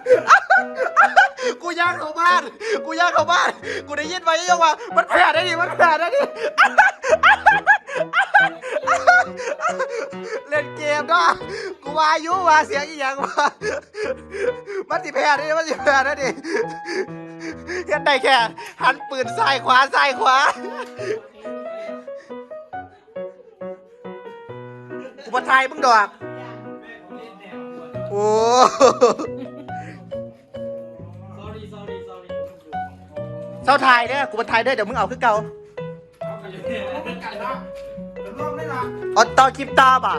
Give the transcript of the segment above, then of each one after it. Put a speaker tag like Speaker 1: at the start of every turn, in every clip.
Speaker 1: กูย่างเข้าบ้านกูย่างเข้าบ้านกูได้ยินไว้ยังว่ามันแผลได้ดิมันแผลได้ดิเล่นเกมเนาะกูว่ายุว่าเสียงอีหยังว่ามันสิแพ้ได้ดิมันสิแพ้ได้ดิยันได้แค่หันปืนซ้ายขวาซ้ายขวากูมาทายมึงดอกโอ้เศร้าทายเนี่ยกูมาทายด้วยเดี๋ยวมึงเอาขึ้นเก่าอ๋อต่อคลิปตาป่ะ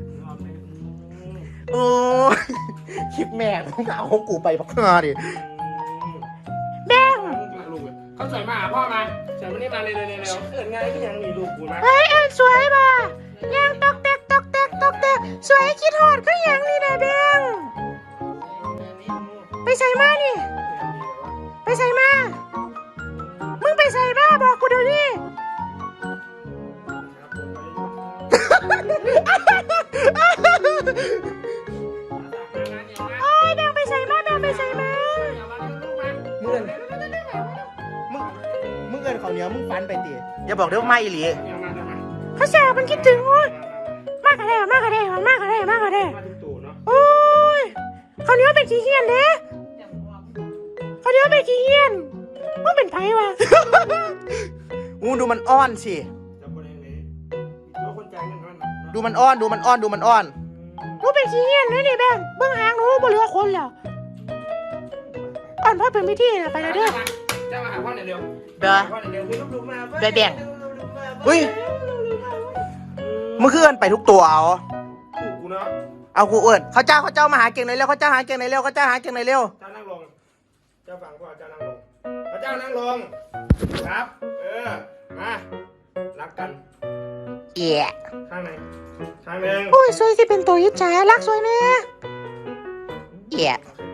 Speaker 1: โอ้คลิปแม่มึงเอาของกูไปพักงาดิแม่ง
Speaker 2: เขาสวยมาพ่อมาสวยมานี่มาเร็วเอิญไงก็ยังมีลูกกูนะ
Speaker 3: เฮ้ยเอ็นสวยป่ะยังตอกแตกตอกแตกตอกแตกสวยคิดหอดก็ยังนี่นะแบงไปใส่มานี่ไปใส่มามึงไปใส่มาบอกกูเดี๋ยวนี้โอ้ยแบงไปใส่มาแบงไปใส่มา
Speaker 1: มึงเอินเขาเนี้ยมึงฟันไปตีอย่าบอกเดี๋ยวไม่อีหลี
Speaker 3: เขาแสบมันคิดถึงโอ้ยมากกระเด้มากกระเด้มากกระเด้มากกระเด้โอ้ยเขาเนี้ยเป็นขี้เหี้ยนเด้เขาเนี้ยเป็นขี้เหี้ยนมึงเป็นไผวะ
Speaker 1: มึงดูมันอ้อนสิดูมันอ้อนดูมันอ้อนดูมันอ้อน
Speaker 3: หนูเป็นขี้เหี้ยนเลยดิแบงเบื้องหางหนูบ่เหลือคนแล้วอ่อนพ่อเป็นพิธีนะไปเลยเด้อ
Speaker 2: เจ้ามาหาพ่อเร็ว
Speaker 1: เด้อแบงเฮ้ยมึงคือเอินไปทุกตัวเอา
Speaker 2: กูเนาะ
Speaker 1: เอากูเอินเขาเจ้ามาหาเก่งเลยเร็วเขาเจ้าหาเก่งเลยเร็วเขาเจ้าหาเก่งเลยเร็ว
Speaker 2: เจ้านั่งลงเจ้าฟังพ่อเจ้านั่งลงเจ้านั่งลงครับมารักกัน
Speaker 1: เอี่ย
Speaker 2: ข้างไหนข้างหนึ่ง
Speaker 3: โอ้ยสวยสิเป็นตัวยิจฉารักสวยแน่
Speaker 1: เอี่ย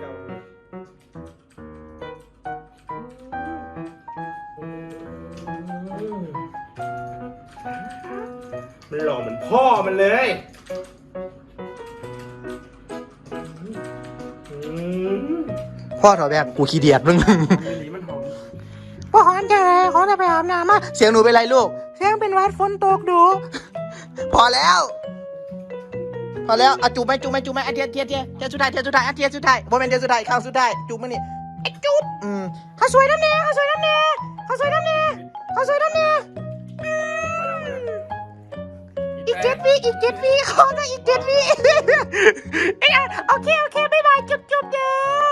Speaker 2: มันหล่อเหมือนพ่อมันเลย
Speaker 1: พ่อถอดแบบกูขี้เดียดมึง
Speaker 2: มันหอม
Speaker 3: พ่อขอจะอะไรขอจะไปอาบน้ำมา
Speaker 1: เสียงหนูเป็นไรลูก
Speaker 3: เสียงเป็นวัดฝนตกดู
Speaker 1: พอแล้วเอาจูบไหมอันเทียสุดท้ายอันเทียสุดท้ายโมเมนต์เทียสุดท้ายข้างสุดท้ายจูบมั้ยนี่ไอ้จูบ
Speaker 3: เขาสวยน้ำเนยเขาสวยน้ำเนยเขาสวยน้ำเนยเขาสวยน้ำเนยอีก7 วิขอนะอีก7 วิโอเคบ๊ายบายจุ๊บเด้อ